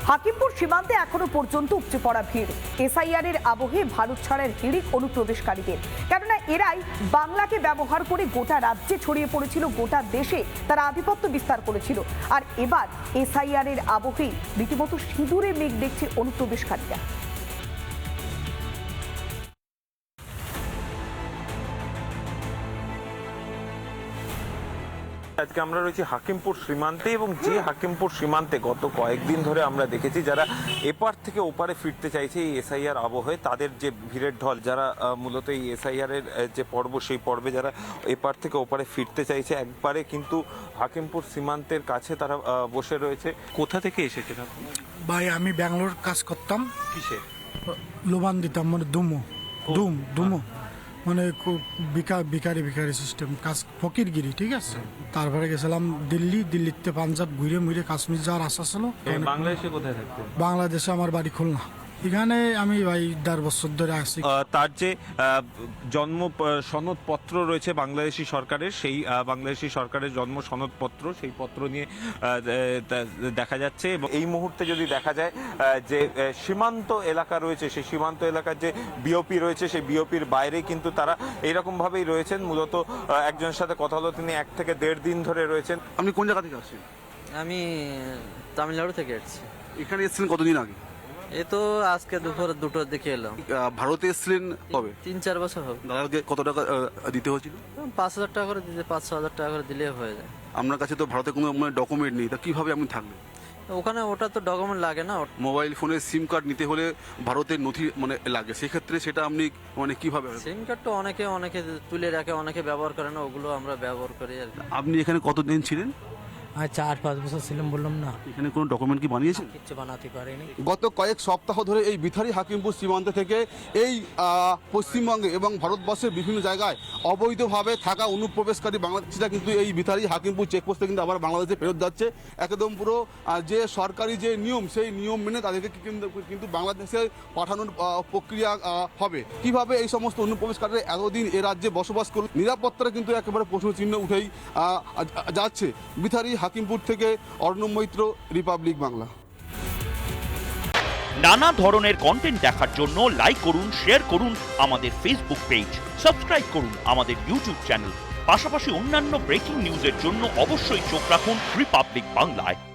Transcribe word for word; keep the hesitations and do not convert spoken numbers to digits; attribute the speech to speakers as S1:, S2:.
S1: হাকিমপুর সীমান্তে এখনো পর্যন্ত উপচে পড়া ভিড়। এসআইআর এর আবহে ভারত ছাড়ার হিড়িক অনুপ্রবেশকারীদের, কেননা এরাই বাংলাকে ব্যবহার করে গোটা রাজ্যে ছড়িয়ে পড়েছিল, গোটা দেশে তারা আধিপত্য বিস্তার করেছিল। আর এবার এসআইআর এর আবহে রীতিমতো সিঁদুরে মেঘ দেখছে অনুপ্রবেশকারীরা।
S2: আজকে আমরা রয়েছি হাকিমপুর সীমান্তে, এবং যে হাকিমপুর সীমান্তে গত কয়েকদিন ধরে আমরা দেখেছি যারা এপার থেকে ওপারে ফিরতে চাইছে এই এসআইআর আবহে, তাদের যে ভিড়ের ঢল, যারা মূলত এই এসআইআর এর যে পর্ব সেই পর্বে যারা এপার থেকে ওপারে ফিরতে চাইছে একবারে কিন্তু হাকিমপুর সীমান্তের কাছে তারা বসে রয়েছে। কোথা থেকে এসেছেন আপনি?
S3: ভাই আমি ব্যাঙ্গালোর কাজ করতাম।
S2: কিসে?
S3: লোবান দিতাম, মানে দুমো দুম দুমো মানে বিকার বিকারি বিকারি সিস্টেম কাজ, ফকিরগিরি, ঠিক আছে। তারপরে গেছিলাম দিল্লি, দিল্লিতে পাঞ্জাব ঘুরে মুড়ে কাশ্মীর যাওয়ার আশা ছিল।
S2: বাংলাদেশে কোথায় থাকতেন?
S3: বাংলাদেশে আমার বাড়ি খুলনা। এখানে আমি ভাই দেড় বছর ধরে আসছি।
S2: তার যে জন্ম সনদপত্র রয়েছে বাংলাদেশি সরকারের, সেই বাংলাদেশি সরকারের জন্ম সনদপত্র, সেই পত্র নিয়ে দেখা যাচ্ছে। এবং এই মুহূর্তে যদি দেখা যায় যে সীমান্ত এলাকা রয়েছে, সেই সীমান্ত এলাকার যে বিওপি রয়েছে, সেই বিওপির বাইরে কিন্তু তারা এইরকমভাবেই রয়েছেন। মূলত একজনের সাথে কথা হলো, তিনি এক থেকে দেড় দিন ধরে রয়েছেন।
S4: আপনি কোন জায়গা থেকে আসছেন?
S5: আমি তামিলনাড়ু থেকে এসেছি।
S4: এখানে এসেছিলেন কতদিন আগে?
S5: এ তো আজকে দুপুর দুটোর দিকে এলাম।
S4: ভারতে এসেছিলেন কবে?
S5: তিন চার বছর হবে।
S4: দাদাকে কত টাকা দিতে হয়েছিল?
S5: পাঁচ হাজার টাকা করে দিতে, পাঁচ ছ হাজার টাকা করে দিলে হয়ে যায়।
S4: আপনার কাছে তো ভারতে কোনো ডকুমেন্ট নেই, তা কিভাবে আপনি থাকবেন
S5: ওখানে? ওটা তো ডকুমেন্ট লাগে না।
S4: মোবাইল ফোনের সিম কার্ড নিতে হলে ভারতের নথি মানে লাগে, সেক্ষেত্রে সেটা আপনি মানে কিভাবে?
S5: সিম কার্ড তো অনেকে অনেকে তুলে রাখে, অনেকে ব্যবহার করে না, ওগুলো আমরা ব্যবহার করি আর কি।
S4: আপনি এখানে কতদিন ছিলেন?
S6: আর চার পাঁচ বছর ছিলাম, বললাম না।
S4: এখানে কোনো ডকুমেন্ট কি বানিয়েছেন?
S6: কিচ্ছু বানাতে পারিনি।
S4: গত কয়েক সপ্তাহ ধরে এই বিথারি হাকিমপুর সীমান্ত থেকে এই পশ্চিমবঙ্গে এবং ভারতবর্ষের বিভিন্ন জায়গায় অবৈধভাবে থাকা অনুপ্রবেশকারী বাংলাদেশিরা কিন্তু এই বিথারি হাকিমপুর চেকপোস্টে কিন্তু আবার বাংলাদেশে ফেরত যাচ্ছে। একদম পুরো যে সরকারি যে নিয়ম, সেই নিয়ম মেনে তাদেরকে কিন্তু বাংলাদেশে পাঠানোর প্রক্রিয়া হবে। কিভাবে এই সমস্ত অনুপ্রবেশকারীরা এতদিন এ রাজ্যে বসবাস করল, নিরাপত্তার কিন্তু একেবারে প্রশ্ন চিহ্ন উঠেই যাচ্ছে। বিথারি হাকিমপুর থেকে অর্ণব মৈত্র, রিপাবলিক বাংলা।
S7: নানা ধরনের কন্টেন্ট দেখার জন্য লাইক করুন, শেয়ার করুন আমাদের ফেসবুক পেজ, সাবস্ক্রাইব করুন আমাদের ইউটিউব চ্যানেল। পাশাপাশি অন্যান্য ব্রেকিং নিউজের জন্য অবশ্যই চোখ রাখুন রিপাবলিক বাংলায়।